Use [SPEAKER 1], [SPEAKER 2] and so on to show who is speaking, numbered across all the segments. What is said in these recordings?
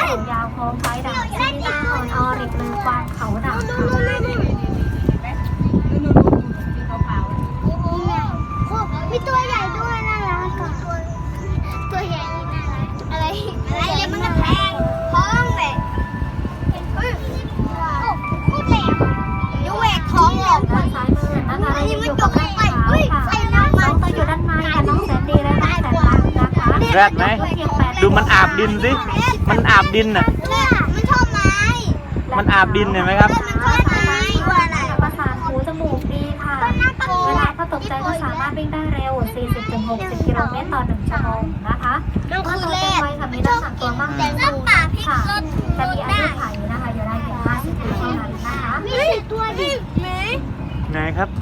[SPEAKER 1] ยาวโค้งไฟด่างซีต้าออนออริกหรือกวางเขาด่างค่ะ
[SPEAKER 2] มีตัวใหญ่ด้วยน่ารักตัวใหญ่นี่น่ารักอะไรเลยมันจะแพงท้องแบบโคตรแหลมยูแหวกท้องออก
[SPEAKER 1] ด้านซ้ายมือนะคะเราอยู่กับแม่ขาวค่ะน้องตัวอยู่ด้านในกับน้องแสนดีและน้องแสนรักนะคะ
[SPEAKER 3] แรดไหมดูมันอาบดินสิมันอาบดินน่ะ
[SPEAKER 2] มันชอบไม้
[SPEAKER 3] มันอาบดินเห็นไหมครับ
[SPEAKER 2] มันชอบไม้ตัวอะไร
[SPEAKER 1] ประสานหูจมูกดีค่ะเวลาเขาตกใจก็สามารถวิ่งได้เร็ว 40-60 กิโลเมตรต่อ 1 ชั่วโมงนะคะเมื่อโตเต็มวัยค่ะมีลักษณะตัวมากขึ้นค่ะจะมีอายุขัยนะคะอยู่ได้ถึง50 ปีเท่านั้นนะคะ
[SPEAKER 2] มีตัวดิไหม
[SPEAKER 3] ไงครับ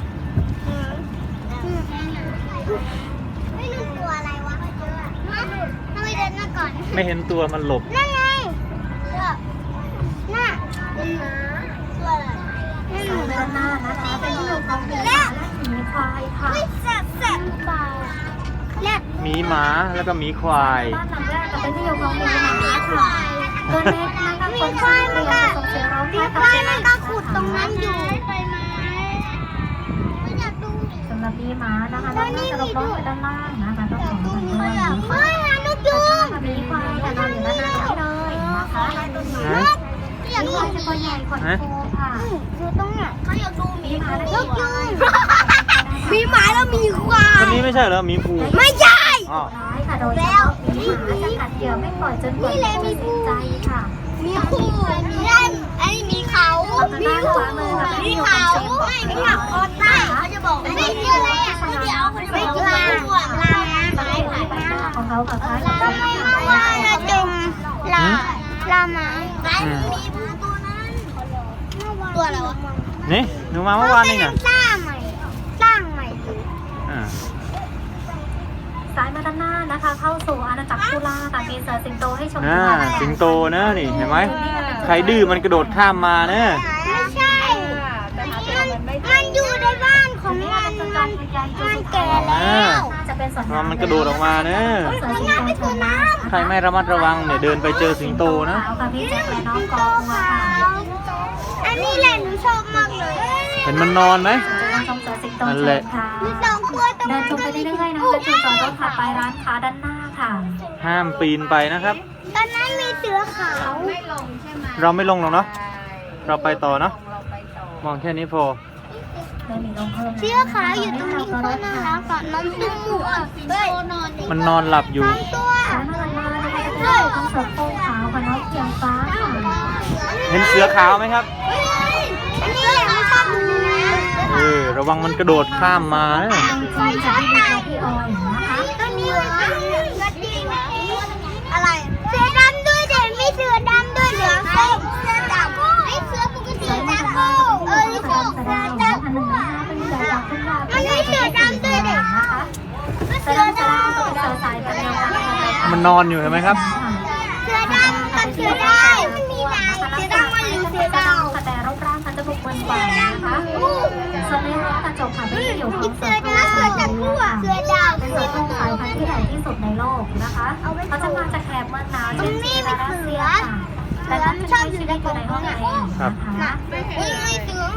[SPEAKER 2] ไม่รู้ตัวอะไรวะทำไมเดินมาก่อน
[SPEAKER 3] ไม่เห็นตัวมันหลบ
[SPEAKER 2] นั่นไงน่ะเป็นหมาตัวอะไร
[SPEAKER 1] สายด้านหน้านะคะเป็นที่อยู่ของหมีและหมีควายค่ะ
[SPEAKER 2] แสบเปล่าแรด
[SPEAKER 3] หมีหมาแล้วก็หมีควาย
[SPEAKER 1] บ้านหลังแรกจะเป็นที่อยู่ของหมีหมาค่ะตัวเล็กนะคะคนชายมันก็ส่งเสียงร้อง
[SPEAKER 2] มี
[SPEAKER 1] แค่
[SPEAKER 2] ควายมันก็ขุดตรงนั้นอยู่ไปไหมไม่อยากดู
[SPEAKER 1] สำหรับหมีหมานะคะด้านหน้าจะลงล้อไปด้านล่างนะคะต้องของมันด้วย
[SPEAKER 2] เฮ้ยหาลูกยุง
[SPEAKER 1] หมีควายค่ะนอนอยู่ด้านหน้านี้เลยนะคะ
[SPEAKER 3] ฮะ
[SPEAKER 2] อยาก
[SPEAKER 1] หมี
[SPEAKER 2] ดู
[SPEAKER 1] ควายจะตัวใหญ่ขนฟูค่ะ
[SPEAKER 2] อยู่ตรงไหนเขาอยากดูหมี
[SPEAKER 1] หมาและ
[SPEAKER 2] ลูกยุงมีหมาแล้วมีควา
[SPEAKER 3] คน
[SPEAKER 2] ย
[SPEAKER 3] นี้ไม่ใช่เหรอหมีภู
[SPEAKER 2] ไม่ใช่
[SPEAKER 3] อ๋อ
[SPEAKER 1] ร้ายค่ะโดยเฉพาะหมีหมาจะกัดเหยื่อไม่ปล่อยจนกว่าจะสิ้นใจค่ะ
[SPEAKER 2] มีคู่มีเล่นไอ้มีเขามีเขามีเขาไม่มีเขาคอต้าเขาจะบอกไม่เกี่ยวอะไรอ่ะไม่เกี่ยวไม่เกี่ยวลา
[SPEAKER 1] สายหายหน้าของเขากับฟ้า
[SPEAKER 2] ทำไมไม่ว่าเราจงลาลามามีตัวอะไรวะ
[SPEAKER 3] นี่หนูมาเมื่อวานนี่น่ะ
[SPEAKER 2] สร้างใหม่เลย
[SPEAKER 3] อ่า
[SPEAKER 1] สายมาด้านหน้านะคะ เข้าสู่อาณาจักรคุล่าค่ะมีเสือสิงโตให้ชม
[SPEAKER 3] สิงโตนะนี่เห็นไหมใครดื้อมันกระโดดข้ามมานะ
[SPEAKER 2] ไม่ใช่มันอยู่ในบ้านของมันแก่แล้ว
[SPEAKER 1] จะเป็นส่วน
[SPEAKER 3] มันกระโดดออกมานะ
[SPEAKER 1] เสือสิงโตชมน้ำ
[SPEAKER 3] ใครไม่ระมัดระวังเนี่ยเดินไปเจอสิงโตนะ
[SPEAKER 1] ค่ะพี่แจ็คและน้องกองค่ะ
[SPEAKER 2] อันนี้แหละหนูชอบมากเลย
[SPEAKER 3] เห็นมันนอนไหม
[SPEAKER 1] จะเป็นชมเสือสิงโต
[SPEAKER 3] นั่น
[SPEAKER 1] ช
[SPEAKER 3] แหละ
[SPEAKER 1] มค่ะ
[SPEAKER 2] มีสองตัวตรง
[SPEAKER 1] เดิน
[SPEAKER 2] นั้น
[SPEAKER 1] ชมไปเรื่อยๆนะคะจุดจอดรถถัดไปร้านค้าด้านหน้าค่ะ
[SPEAKER 3] ห้ามปีนไปนะครับ
[SPEAKER 2] ตอนนั้นมีเสือขาว
[SPEAKER 3] เราไม่ลงหรอกเนาะเราไปต่อเนาะมองแค่นี้พอ
[SPEAKER 1] ไม่มีลงเพิ่ม
[SPEAKER 2] เสือขาวอยู่ตรงนี้ก็น่ารักกับน้องตุ้มอ่ะเฮ้ย
[SPEAKER 3] มันนอนหลับอยู่
[SPEAKER 2] น้องตัว
[SPEAKER 1] ร้านมาด้านหน้านะคะจะเป็นของเสือโคร่งขาวกับน้องเกียงฟ้าค่ะ
[SPEAKER 3] เห็นเสือขาวไหมครับ
[SPEAKER 2] อันนี้แหละไม่ชอบหนูนะ
[SPEAKER 3] ระวังมันกระโดดข้ามมานะ
[SPEAKER 1] จริงๆจะที่มีพี่ออยนะคะ
[SPEAKER 2] ตัวนี้อะไรเสือดำด้วยเด็กมีเสือดำด้วยเหลืองส้มเสือดำไอ้เสือปกติ
[SPEAKER 1] สายมา
[SPEAKER 2] ดำ
[SPEAKER 1] ด้านห
[SPEAKER 2] โก้
[SPEAKER 1] น้า
[SPEAKER 2] เอ
[SPEAKER 1] เป็น
[SPEAKER 2] อ
[SPEAKER 1] เสือ
[SPEAKER 2] เสือ
[SPEAKER 1] ดำ
[SPEAKER 2] ดำ
[SPEAKER 1] พันหนึ่งนะคะเป็นเสือดำขึ้นมา
[SPEAKER 2] มันมีเสือดำด้วยเด็ก
[SPEAKER 1] นะคะ
[SPEAKER 2] เสื
[SPEAKER 1] เสือ
[SPEAKER 2] อ
[SPEAKER 1] ดำ
[SPEAKER 2] ด
[SPEAKER 1] จะเป็นเสือสายพันธุ์เดียวกันนะคะ
[SPEAKER 3] มันนอนอยู่เห็นไหมครับ
[SPEAKER 2] ำเสือดำกับเสือดาวมันมีหลายเสือดำมันหรือเสือดาว
[SPEAKER 1] แต่รูปร่างเขาจะบุกเบิกกว่านะคะส่วนในห้องกระจกค่ะที่อยู่ของ
[SPEAKER 2] เสือดาวเสือจักรคู่เสือดาว
[SPEAKER 1] เป็นเสือโคร่งสายพันธุ์ที่ใหญ่ที่สุดในโลกนะคะเขาจะมาจากแถบเมืองหนาวเช่นจีนและรัสเซียค่ะแต่ท่านชอบอยู่ในห้องเองนะคะ
[SPEAKER 2] ไม่เสือ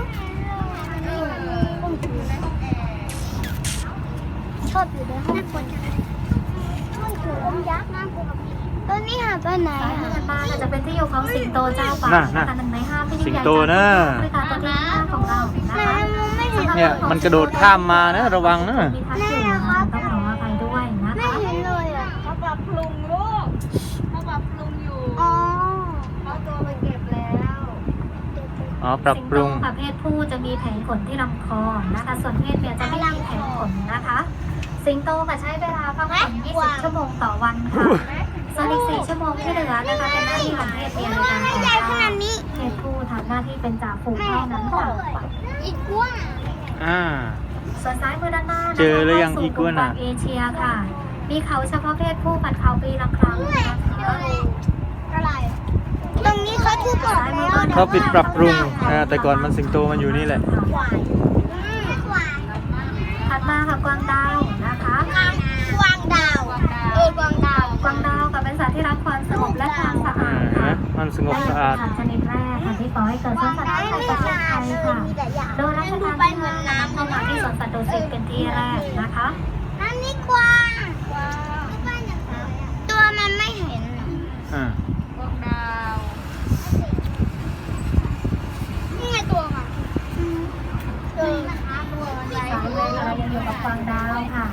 [SPEAKER 2] ชอบอยู่ในห้องคนมันคือองยักษ์นะตัวนี้หาไปไหน
[SPEAKER 1] สาย
[SPEAKER 2] อ่ะ
[SPEAKER 1] พันธุ์บ้านจะเป็นที่อยู่ของสิงโตเจ้าป่านะคะ1 ใน 5ที่ยิ่งใหญ่บริการตัวที่5ของเรานะคะ
[SPEAKER 3] เนี่ยมันกระโดดข้ามมานะระวังนะ
[SPEAKER 1] มีทักอยู่นะคะต้องขออภัยด้วยนะ
[SPEAKER 2] ไม่
[SPEAKER 1] คะ
[SPEAKER 2] เห็นเลยอ่ะ
[SPEAKER 4] เขาปรับปรุงลูกเขาปรับปรุงอยู่
[SPEAKER 2] อ๋อ
[SPEAKER 4] เขาตัวไปเก็บแล้ว
[SPEAKER 3] อ๋อปรับปรุง
[SPEAKER 1] สิงโตค่ะเพศผู้จะมีแผงขนที่ลำคอนะคะส่วนเพศเมียจะไม่มีแผงขนนะคะสิงโตค่ะใช้เวลาพักผ่อน20 ชั่วโมงต่อวันค่ะส่วนอีก4 ชั่วโมงที่เหลือนะคะเป็นหน้าที่ของเพศเมียในการ
[SPEAKER 2] ใหญ่ขนาดนี้
[SPEAKER 1] เพศผู้ทำหน้าที่เป็นจ่าฝูงเท่านั้นค่ะ
[SPEAKER 2] อีกว่า
[SPEAKER 1] ส่วนซ้ายมือด้านหน้า
[SPEAKER 3] เจอหรือยังอีกัวน่ะ
[SPEAKER 1] เอเชียค่ะ มีเขาเฉพาะเพศผู้ผัดเขาปีละครั้งนะคะ
[SPEAKER 2] อะไรตรงนี้เขาทุบออกแล้ว
[SPEAKER 3] เขาปิดปรับปรุงแต่ก่อนมันสิงโตมันอยู่นี่แหละ
[SPEAKER 2] ขวานขวาน
[SPEAKER 1] ถัดมาค่ะกวางดาวนะคะ
[SPEAKER 2] กวางดาวกวางดาว
[SPEAKER 1] กวางดาวค่ะเป็นสัตว์ที่รักความสงบและความสะอาดค่ะ
[SPEAKER 3] มันสงบสะอาด
[SPEAKER 1] สัตว์ชนิดแรกค่ะที่ก่อให้เกิดสวนสัตว์ในประเทศไทยค่ะ โดยรัชกาลที่5นำเข้ามาที่สวนสัตว์ดุสิตเป็นที่แรกนะคะ
[SPEAKER 2] นั่นนี่กวางตัวมันไม่เห็น
[SPEAKER 3] อ่า
[SPEAKER 4] พวกดาว
[SPEAKER 2] นี่ไงตัวค่ะตัว
[SPEAKER 1] สายเลยเรายังอยู่กับกวางดาวค่ะ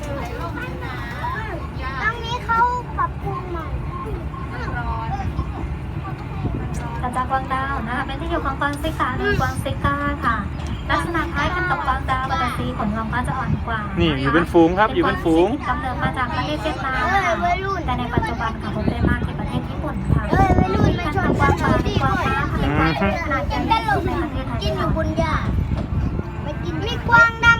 [SPEAKER 2] ตรงนี้เขาปรับปรุงใหม่
[SPEAKER 4] ร้อน
[SPEAKER 1] กระจากกวางดาวนะคะเป็นที่อยู่ของกวางซิกาหรือกวางซิก้าค่ะ ลักษณะคล้ายกันกับกวางดาวแต่สีขนลำก็จะอ่อนกว่า
[SPEAKER 3] นี่
[SPEAKER 1] นี่
[SPEAKER 3] อยู่เป็นฝูงครับอยู่เป็นฝูง
[SPEAKER 1] กำเนิดมาจากประเทศเวียดนามค่ะแต่ในปัจจุบันค่ะพบได้มากที่ประเทศญี่ปุ่นค่ะ
[SPEAKER 2] วัยรุ่นมาชน
[SPEAKER 1] กวางป่าในกวางฟ้าค่ะเป็นกวางที่ขนาดใหญ่ที่สุดในประเทศไทย
[SPEAKER 2] กินอยู่บนหญ้าไม่กินมีกวางด